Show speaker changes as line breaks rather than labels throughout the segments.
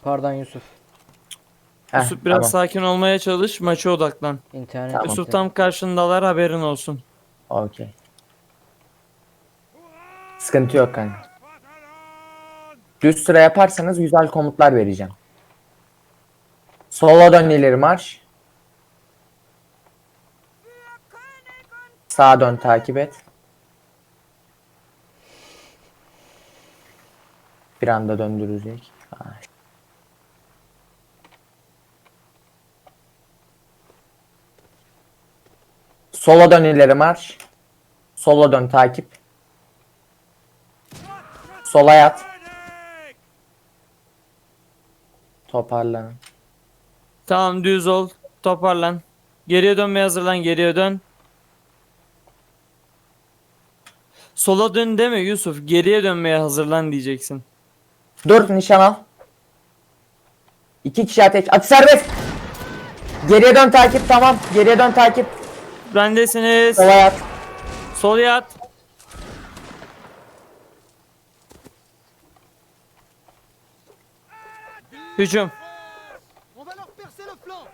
Pardon Yusuf.
Yusuf biraz
Tamam.
sakin olmaya çalış. Maça odaklan.
İnternet
Tamam.
Yusuf
gitti.
tam karşındalar, haberin olsun.
Okey. Sıkıntı yok kanka. Düz sıra yaparsanız güzel komutlar vereceğim. Sola dön ileri marş. Sağa dön takip et. Bir anda döndürecek. Sola dön ileri marş. Sola dön takip. Sola yat. Toparlanın.
Tamam, düz ol. Toparlan. Geriye dönmeye hazırlan. Geriye dön. Sola dön deme Yusuf. Geriye dönmeye hazırlan diyeceksin.
Dur nişan al. 2 kişi ateş. Atış serbest. Geriye dön takip tamam. Geriye dön takip.
Bendesiniz.
Sola yat.
Sol yat. Hücum.
On va leur percer le flanc.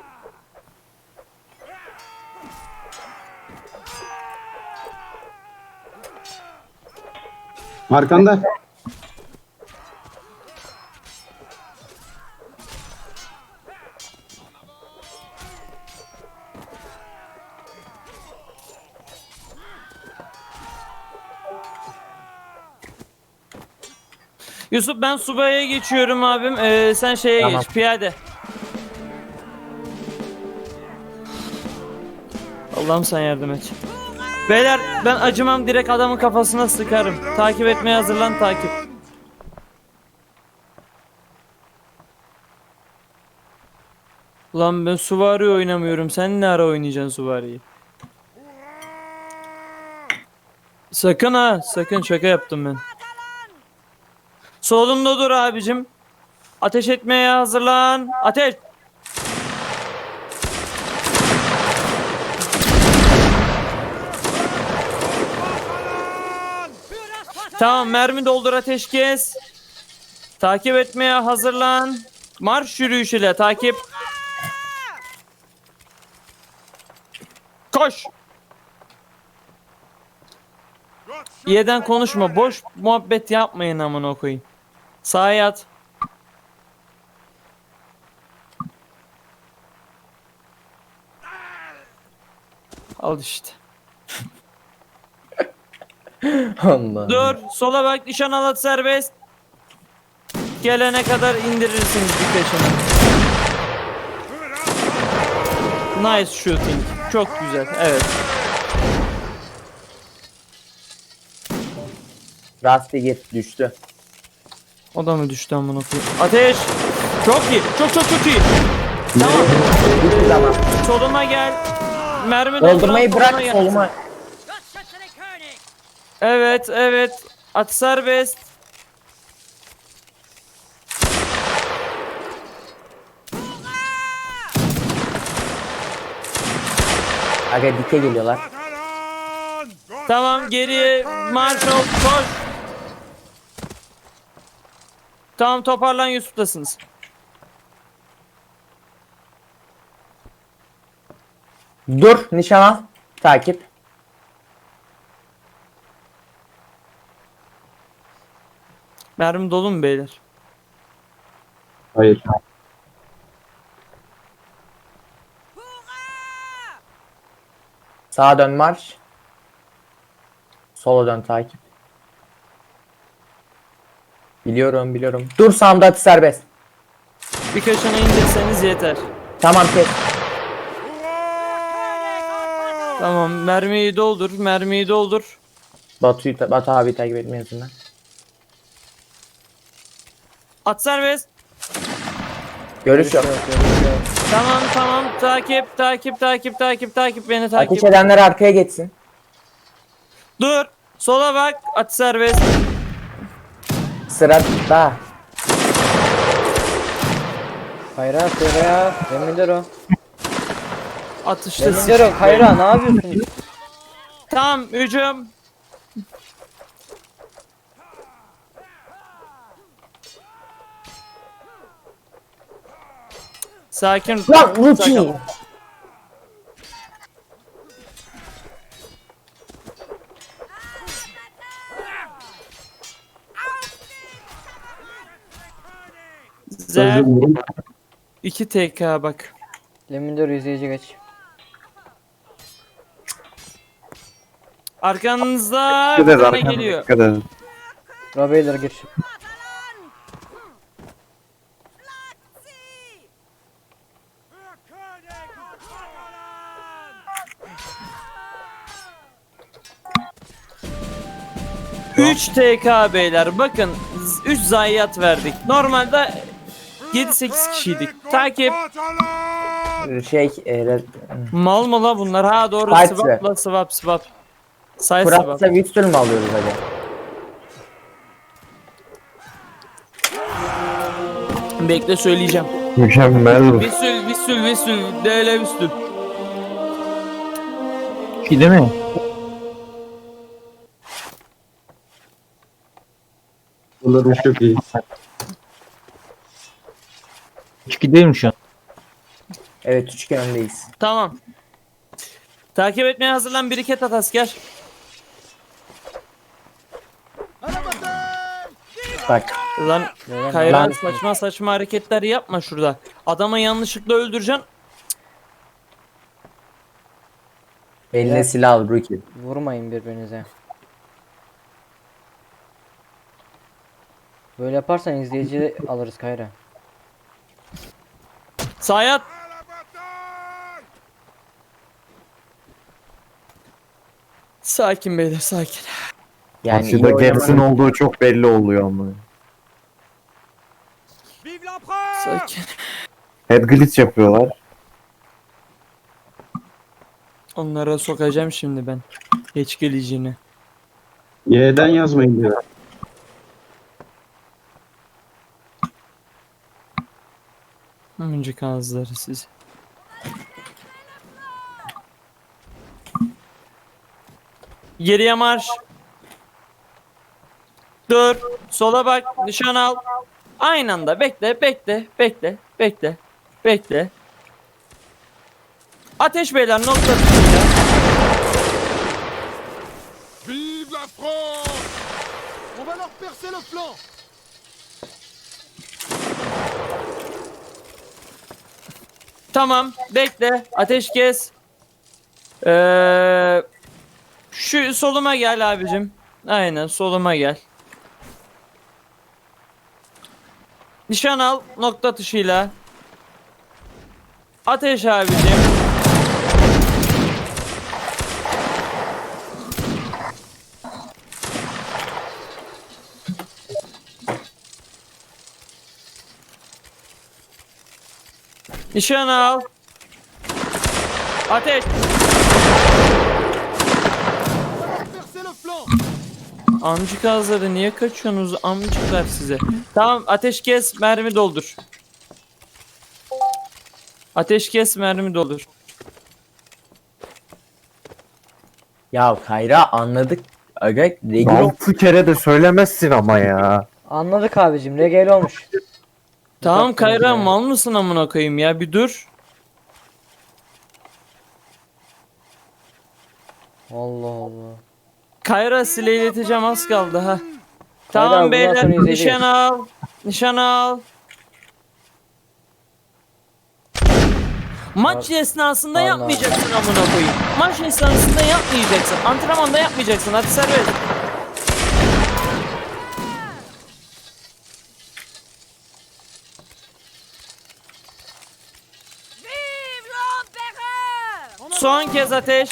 Arkanda.
Yusuf, ben subaya geçiyorum abim. Sen şeye
Tamam.
geç. Piyade. Allah'ım sen yardım et. Beyler, ben acımam, direkt adamın kafasına sıkarım. Takip etmeye hazırlan, takip. Ulan ben Suvari oynamıyorum. Sen ne ara oynayacaksın Suvari'yi? Sakın ha, sakın, şaka yaptım ben. Solunda dur abicim. Ateş etmeye hazırlan. Ateş. Tamam, mermi doldur, ateş kes. Takip etmeye hazırlan. Marş yürüyüşüyle takip. Koş. İyiden konuşma, boş muhabbet yapmayın amına koyayım. Sağa yat. Al işte.
Allah.
Dur, sola bak, nişan al, at serbest. Gelene kadar indirirsiniz bir peşine. Nice shooting. Çok güzel. Evet.
Rasti git düştü.
O da mı düştü amına koyayım? Ateş. Çok iyi. Çok çok çok iyi. Tamam.
Hiçbir zaman.
Soluma gel. Mermi dolduran
Doldurmayı
soluna
bırak
gel.
soluma.
Evet, evet. At serbest.
Aga dike geliyorlar.
Tamam, geriye marş ol. Koş. Tamam, toparlan, Yusuf'tasınız.
Dur nişan al. Takip.
Mermi dolu mu beyler?
Hayır.
Sağa dön marş. Sola dön takip. Biliyorum biliyorum. Dur sağımda atış serbest.
Birkaçını indirseniz yeter.
Tamam kes.
Tamam, mermiyi doldur, mermiyi doldur.
Batu abi takip etmeyesin lan.
At serbest.
Görüş yok.
Tamam tamam, takip takip takip takip takip, beni takip.
Ateş edenler arkaya geçsin.
Dur, sola bak, at serbest.
Sıra daha.
Hayra ya. Demirler o.
Atıştasın.
Demirler o. Hayra ne yapıyorsun?
Tamam, hücum. Sakin.
Lan Ruki.
Zer
Sözüm
2 TK bak.
Lemindor izleyici geç.
Arkanızda
Dikkat
bir
edin
tane
arkanıza,
geliyor.
dikkat edin.
Robeyler gir.
Üç TK beyler bakın 3 zayiat verdik. Normalde 7-8 kişiydik. Takip. Mal mı la bunlar? Ha doğru,
Fight
swap la swap. Say swap.
Fırat'la Whistle mi alıyoruz hadi?
Bekle söyleyeceğim.
Mükemmel.
Vissül. DL Vissül.
İki değil mi?
Bunların çok iyi.
2 değil mi şu an?
Evet 3-2 öndeyiz.
Tamam. Takip etmeye hazırlan, biriket at asker.
À la bataille!
Bak.
Lan
Neden?
Kayran
Ben-
saçma hareketler yapma şurada. Adama yanlışlıkla öldüreceksin.
Eline silah al Ruki.
Vurmayın birbirinize. Böyle yaparsan izleyici alırız Kayra.
Sayat. Sakin beyler sakin.
Yani
Karşıda
iyi
Gaps'in
oynamanın-
olduğu çok belli oluyor ama.
Vive l'empereur!
Sakin.
Head glitch yapıyorlar.
Onlara sokacağım şimdi ben. Geç geleceğini.
Y'den yazmayın diyor.
Önceki ağızları siz. Geriye marş. Dur. Sola bak. Nişan al. Aynı anda bekle. Ateş beyler nokta atışıyla.
Vive la France! On va leur percer le flanc!
Tamam bekle. Ateş kes. Şu soluma gel abicim. Aynen soluma gel. Nişan al nokta atışıyla. Ateş abicim. Nişan al. Ateş.
Percer le flanc!
Amcık ağızları niye kaçıyorsunuz amcıklar size? Tamam ateş kes mermi doldur. Ateş kes mermi doldur.
Ya Kayra anladık. Aga Regil
6 kere de söylemezsin ama ya.
Anladık abicim. Regel olmuş.
Tamam
Dikkat edin
Kayra
ya.
mal mısın amına koyayım ya bir dur.
Allah Allah.
Kayra sileyleteceğim az kaldı ha.
Kayra,
Tamam
bundan
beyler
sonra izleyeceğiz.
nişan al. Nişan al. Maç esnasında
Allah.
yapmayacaksın amına koyayım. Maç esnasında yapmayacaksın. Antrenmanda yapmayacaksın. Hadi serbest. Son kez ateş.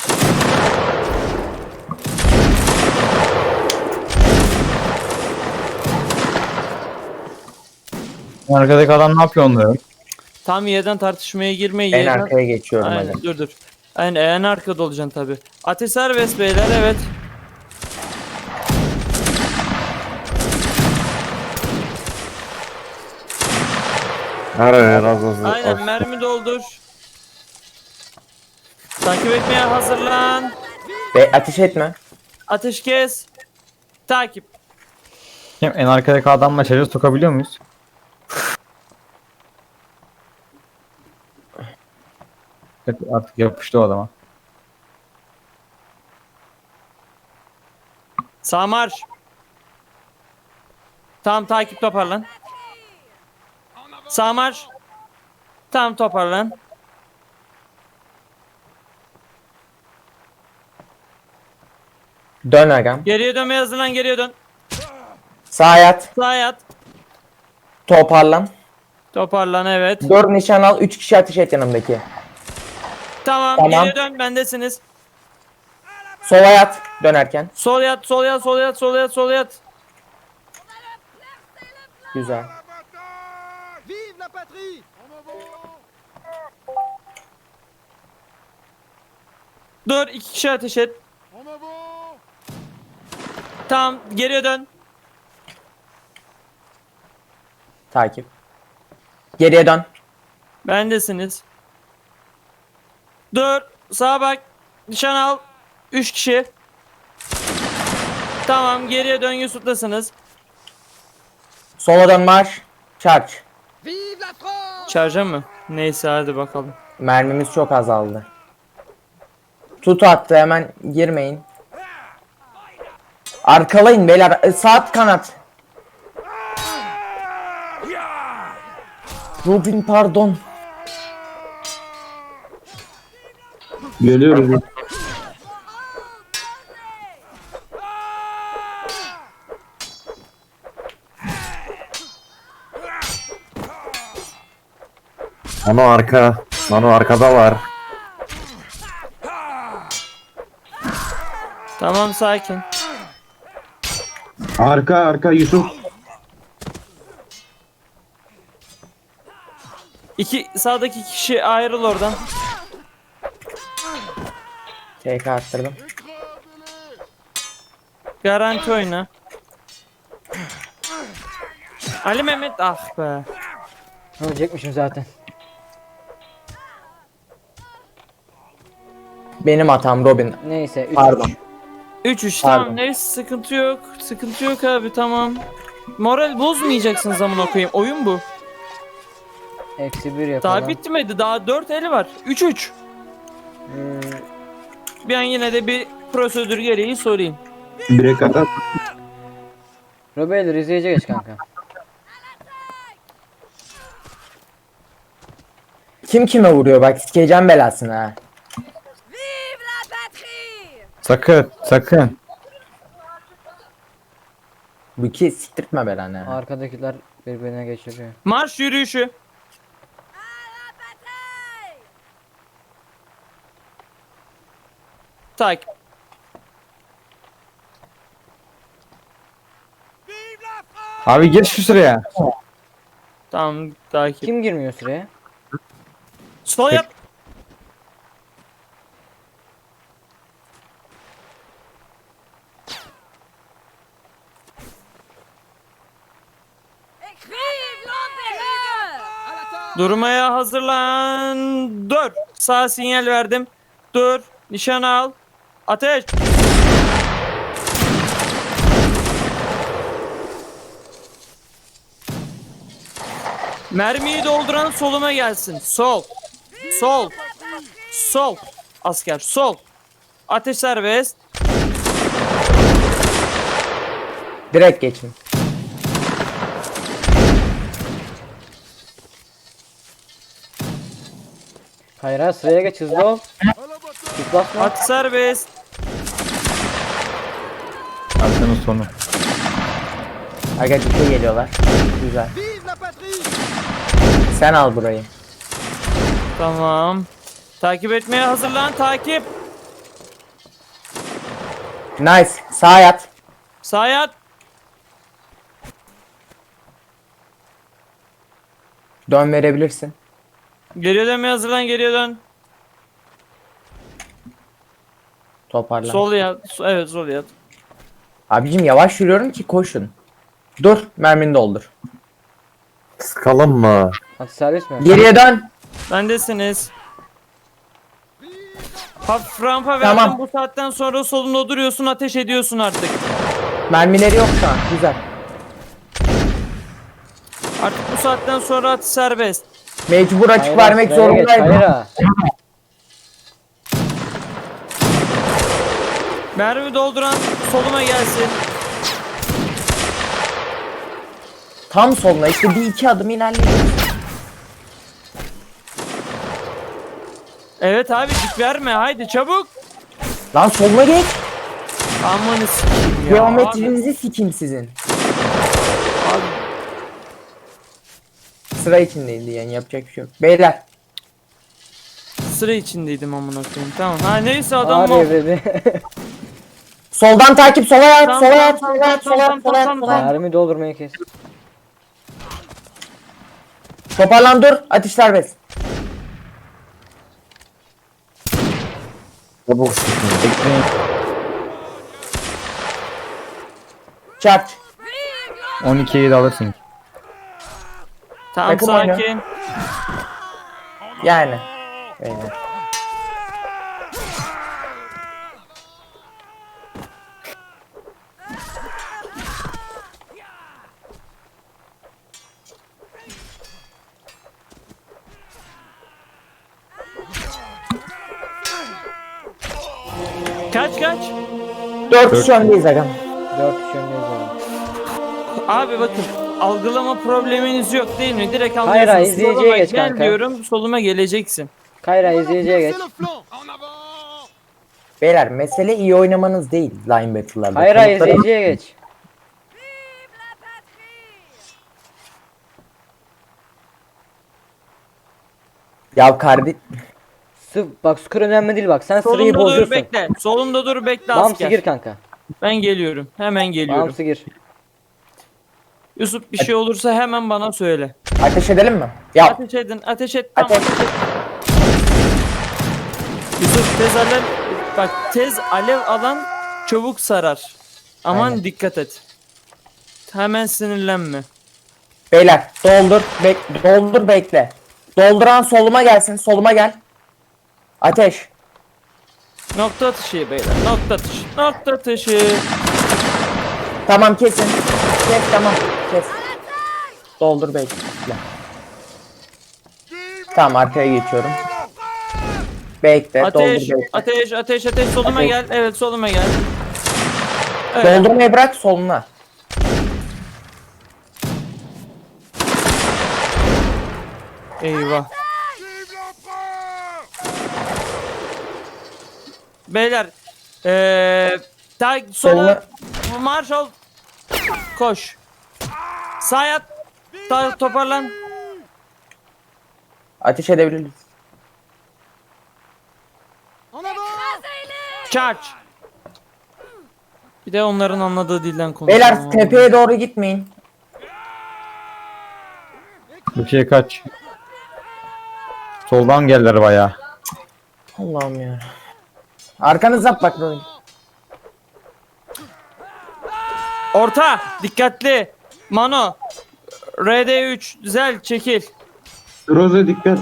Arkadaki adam ne yapıyor onları?
Tam yerden tartışmaya girme.
en
Yerden...
arkaya geçiyorum
Aynen
hadi.
dur. Aynen en arkada olacaksın tabi. Ateş serbest beyler evet.
Her az.
Aynen mermi doldur. Takip etmeye hazırlan.
Ateş etme.
Ateş kes. Takip.
Hem en arkadaki adamla şarjı sokabiliyor muyuz? Artık yapıştı o adama.
Sağ marş. Tamam takip toparlan. Sağ marş. Tamam toparlan.
Dön agam.
Geriye dönmeye hazırlan, geriye dön.
Sağa yat.
Sağa yat.
Toparlan.
Toparlan, evet.
4 nişan al. 3 kişi ateş et yanımdaki.
Tamam,
Tamam.
geriye dön, bendesiniz.
Sola yat. Dönerken.
Sol yat, sol yat, sol yat, sol yat, sol yat.
Güzel.
Vive la patrie. En avant.
Dur, 2 kişi ateş et.
En avant.
Tamam, geriye dön.
Takip. Geriye dön.
Bendesiniz. Dur, sağa bak. Nişan al. 3 kişi. Tamam, geriye dön, Yusuf'tasınız.
Sola dön marş. Charge.
Vive la France.
Şarja mı? Neyse, hadi bakalım.
Mermimiz çok azaldı. Tut attı, hemen girmeyin. Arkalayın beyler. Sağ kanat. Robin pardon.
Geliyoruz.
Nano arka. Nano arkada var.
Tamam, sakin.
Arka Yusuf.
Sağdaki kişi ayrıl oradan.
TK attırdım.
Garanti oyna. Ali Mehmet, ah be.
Ölecekmişim zaten.
Benim hatam Robin.
Neyse 3
Pardon.
3-3
Pardon.
tamam, neyse, sıkıntı yok. Sıkıntı yok abi, tamam. Moral bozmayacaksın, zaman okuyayım. Oyun bu.
Eksi 1 yapalım.
Daha bitmedi. Daha 4 eli var. 3-3. Ben yine de bir prosedür gereği sorayım.
Bire kadar.
Robeyler izleyici geç kanka.
Kim kime vuruyor bak, sikeceğim belasını ha.
Sakın, sakın.
Bu ki siktirtme belanı ha.
Arkadakiler birbirine geçiriyor.
Marş yürüyüşü. Takip.
Abi geç şu sıraya.
Tamam, takip.
Kim girmiyor sıraya?
Sol yap. Durmaya hazırlan. Dur. Sağ sinyal verdim. Dur. Nişan al. Ateş. Mermiyi dolduran soluma gelsin. Sol. Sol. Sol. Asker sol. Ateş serbest.
Direkt geçin.
Hayır sıraya geç, hızlı ol. Tıklatma.
Atış serbest.
Arkanın sonu.
Aga ciddi geliyorlar. Güzel.
Vive la patrie.
Sen al burayı.
Tamam. Takip etmeye hazırlan. Takip.
Nice. Sağa yat.
Sağa yat.
Dön verebilirsin.
Geriye dönmeye hazırlan. Geriye dön.
Toparlan.
Sol yat. Evet, sol yat.
Abicim yavaş yürüyorum ki koşun. Dur, mermini doldur.
Sıkalım mı?
Atış servis mi?
Geriye dön.
Bendesiniz. Hafif rampa verdim.
Tamam.
Bu saatten sonra solunda duruyorsun, ateş ediyorsun artık.
Mermileri yok şu an. Güzel.
Artık bu saatten sonra atış serbest.
Mecbur açık
Hayır,
vermek
sıraya geç,
zorundayım.
hayır.
Mermi dolduran soluma gelsin.
Tam soluna işte bir iki adım ilerleyin.
Evet abi dik verme haydi çabuk.
Lan soluna geç.
Amanı sikeyim ya.
Geometrinizi sikeyim sizin. Sıra içindeydi yani yapacak bir şey yok. Beyler
Abi, sıra içindeydim amına koyayım. Tamam. Ha neyse adam o.
Abi dedi.
soldan takip sola yat
Tamam,
sola yat
tamam,
sola yat
tamam,
sola yat
tamam,
sola yat
tamam,
sola yat.
Mermi doldurmayı kes.
Toparlan dur atış serbest.
Çabuk sıkın.
Bekleyin.
Charge.
12'yi de alırsın.
Tamam
Takım oyunu.
sakin.
Yani. Beyler.
Kaç kaç.
4 kişi öndeyiz agam.
4 kişi öndeyiz abi.
Abi bakın algılama probleminiz yok değil mi? Direkt
Hayır,
anlıyorsunuz.
hayır, izleyiciye
Soluma
geç
gel
kanka.
diyorum soluma geleceksin.
Kayra izleyiciye geç.
Percez le flanc. En avant.
Beyler mesele iyi oynamanız değil linebacker'larda.
Kayra
Komutları-
izleyiciye geç.
Ya kardeş.
Bak skor önemli değil bak. Sen sırayı
Solumda dur
bozuyorsun.
bekle. Solumda dur bekle
Bamsı
asker.
gir kanka.
Ben geliyorum. Hemen geliyorum.
Bamsı gir.
Yusuf bir şey olursa hemen bana söyle.
Ateş edelim mi? Ya
Ateş edin. Ateş et. Tamam.
ateş.
Yusuf tez alev. Bak tez alev alan çabuk sarar. Aman
Aynen.
dikkat et. Hemen sinirlenme.
Beyler doldur bekle. Dolduran soluma gelsin soluma gel. Ateş.
Nokta atışı beyler. Nokta atışı. Nokta atışı.
Tamam kesin. Kes tamam kes. Doldur bekle. Tamam arkaya geçiyorum. Bekle
Ateş.
doldur bekle.
Ateş. Ateş. Ateş. Soluma
Ateş.
gel. Evet soluma gel. Evet.
Doldurmayı bırak soluna.
Eyvah.
Vive l'empereur.
Beyler. Sola marş ol. Koş. Sağ yat. Toparlan.
Ateş edebiliriz.
En avant.
Charge. Bir de onların anladığı dilden konuşalım.
Beyler tepeye doğru gitmeyin.
Bir şey kaç. Soldan geldiler bayağı.
Allah'ım ya. Arkanıza bak böyle.
Orta. Dikkatli. Mano. RD3. Güzel. Çekil.
Roze dikkat.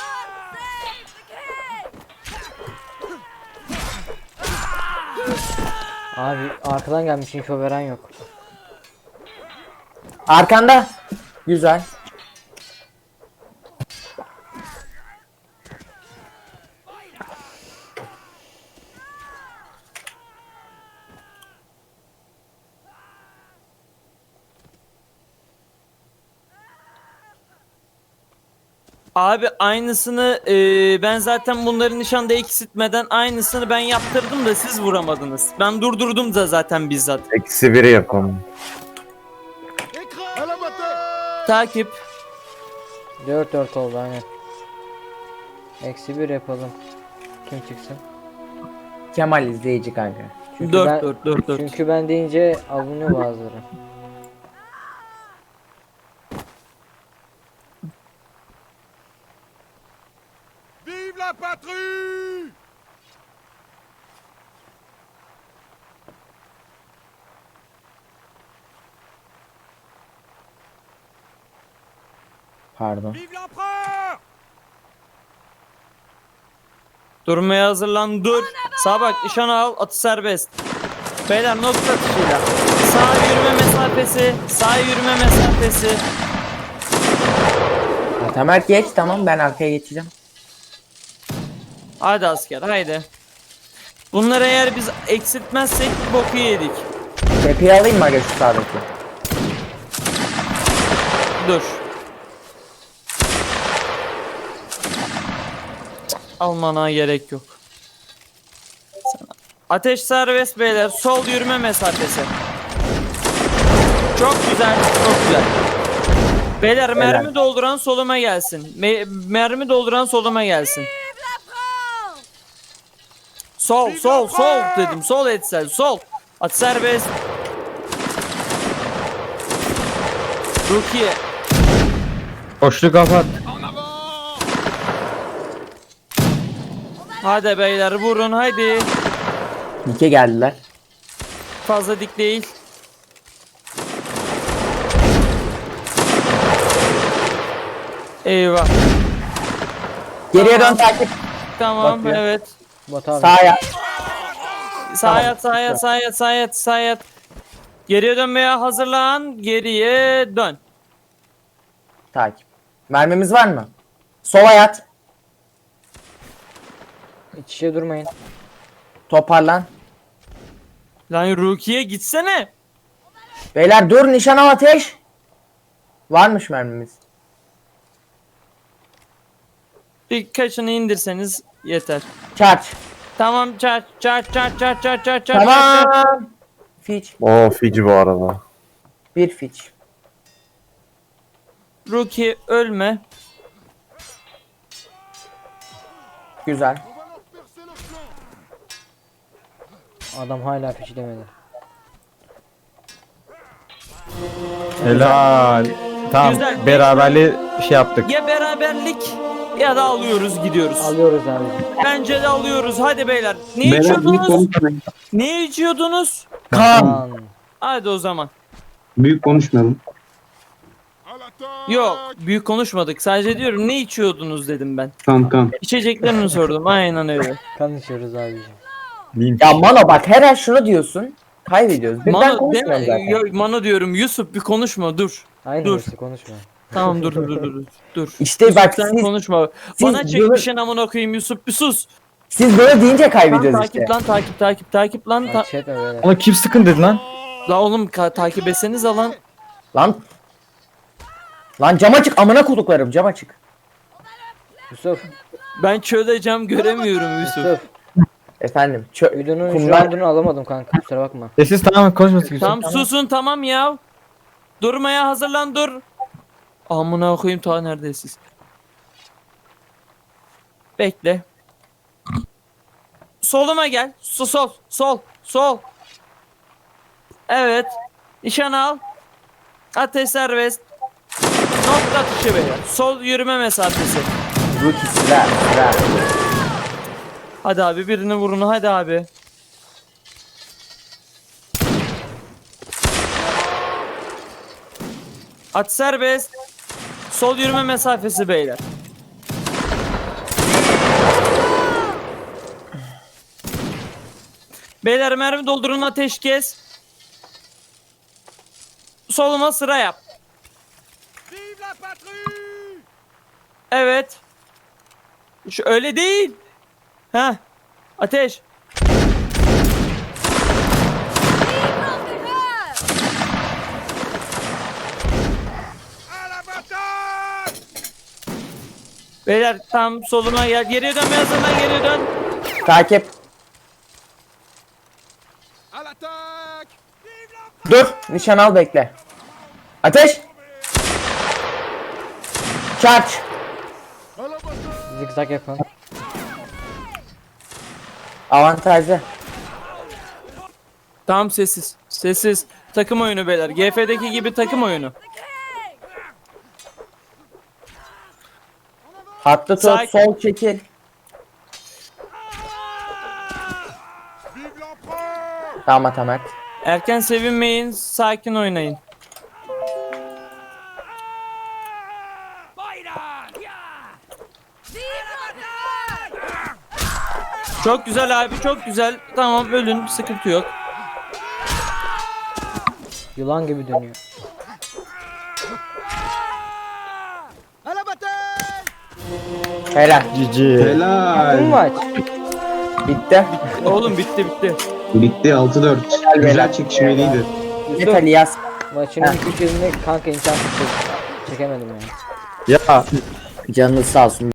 Abi arkadan gelmiş info veren yok.
Arkanda. Güzel.
Abi aynısını ben zaten bunları nişanda eksiltmeden aynısını ben yaptırdım da siz vuramadınız. Ben durdurdum da zaten bizzat.
-1'i yapalım.
Écrase. À la bataille.
Takip.
4-4 oldu aynen. Eksi 1 yapalım. Kim çıksın?
Kemal izleyici kanka.
Çünkü
4
ben,
4 4 4.
Çünkü ben deyince alınıyor bazıları.
Vive la patrie.
Pardon.
Vive l'empereur.
Durmaya hazırlan dur. Sağa bak nişan al atı serbest. Beyler nokta atışıyla. Sağ yürüme mesafesi. Sağ yürüme mesafesi.
Tamer geç tamam ben arkaya geçeceğim.
Hadi asker haydi. Bunları eğer biz eksiltmezsek boku yedik.
Tepeyi alayım mı aga şu sağdaki?
Dur. Almana gerek yok. Ateş serbest beyler. Sol yürüme mesafesi. Çok güzel, çok güzel. Beyler mermi dolduran soluma gelsin. Mermi dolduran soluma gelsin. Sol, sol, sol dedim. Sol etsel, sol. At serbest. Rukiye.
Boşluk kapat.
En avant!
Hadi beyler vurun haydi.
Dike geldiler.
Fazla dik değil. Eyvah.
Geriye dön takip.
Tamam
Bakıyor.
evet.
Batu abi.
Sağa.
Sağ yat, sağ yat, sağ yat, sağ yat, sağ yat. Geriye dönmeye hazırlan. Geriye dön.
Takip. Mermimiz var mı? Sola yat.
İç içe durmayın.
Toparlan.
Lan Rukiye gitsene.
Beyler dur, nişan al, ateş. Varmış mermimiz.
Birkaçını indirseniz yeter.
Charge.
Tamam çar.
Tamam. Fitch.
O Fiji bu arada.
Bir Fitch.
Rukiye ölme.
Güzel.
On va leur percer le flanc.
Adam hala fişlemedi.
Helal. Tamam.
Güzel.
Beraberliği şey yaptık.
Ya beraberlik ya da alıyoruz gidiyoruz.
Alıyoruz abi.
Bence de alıyoruz. Hadi beyler. Ne
Beyler büyük
içiyordunuz?
konuşmayın.
Ne içiyordunuz?
Kan.
Lan.
Hadi o zaman.
Büyük konuşmayalım.
À l'attaque!
Yok büyük konuşmadık. Sadece diyorum ne içiyordunuz dedim ben.
Kan.
İçeceklerini sordum. Aynen öyle.
Kan içiyoruz abicim.
Link.
Ya Mano bak, her an şunu diyorsun. Kaybediyoruz. Birden
Mano
konuşmuyoruz zaten.
Yok, Mano diyorum. Yusuf bir konuşma dur.
Aynı
Dur.
neyse konuşma.
Tamam dur.
İşte bak
Sen
siz,
konuşma.
siz
Bana çekmişin amına koyayım Yusuf bir sus.
siz böyle deyince
Lan
kaybediyoruz işte.
takip lan.
Ateş etme böyle.
Ona kim sıkın dedi lan?
La oğlum takip etseniz lan.
Lan. Lan cam açık, amına koduklarım, cam açık.
Yusuf.
Ben çölde cam göremiyorum Yusuf.
Yusuf.
Efendim.
Videonun şu
Kumlar-
andını alamadım kanka. Kusura bakma.
Sessiz tamam konuşmasın.
Tamam susun tamam ya. Durmaya hazırlan dur. Amına koyayım ta neredesiniz? Bekle. Soluma gel. Sol. Evet. Nişan al. Ateş serbest. Nokta atışı beyler. Sol yürüme mesafesi.
Rookie sıra.
Hadi abi birini vurun hadi abi. At serbest. Sol yürüme mesafesi beyler. Beyler mermi doldurun ateş kes. Soluma sıra yap.
Vive la patrie!
Evet. Şu öyle değil. Ha. Ateş.
À la bataille!
Beyler tam soluma gel. Geriye dön yazından geriye dön.
Takip.
À l'attaque! Vive la
Dur. Nişan al, bekle. Ateş. Charge.
À la bataille!
Zigzag yapın.
Avantajlı.
Tamam sessiz. Sessiz. Takım oyunu beyler. GF'deki gibi takım oyunu.
Hattı tut.
Sakin.
Sol çekil.
Vive l'empereur!
Tamam Atamet.
Erken sevinmeyin. Sakin oynayın. Çok güzel abi çok güzel. Tamam ölün sıkıntı yok.
Yılan gibi dönüyor.
À la bataille!
Helal.
Cici.
Bu
Helal.
maç.
Bitti.
Oğlum bitti.
Bitti 6-4. Güzel çekişmeliydi.
Net Ali yaz.
Maçın ilk 2 kanka imkansız çekemedim ya.
Ya
Canınız sağ olsun.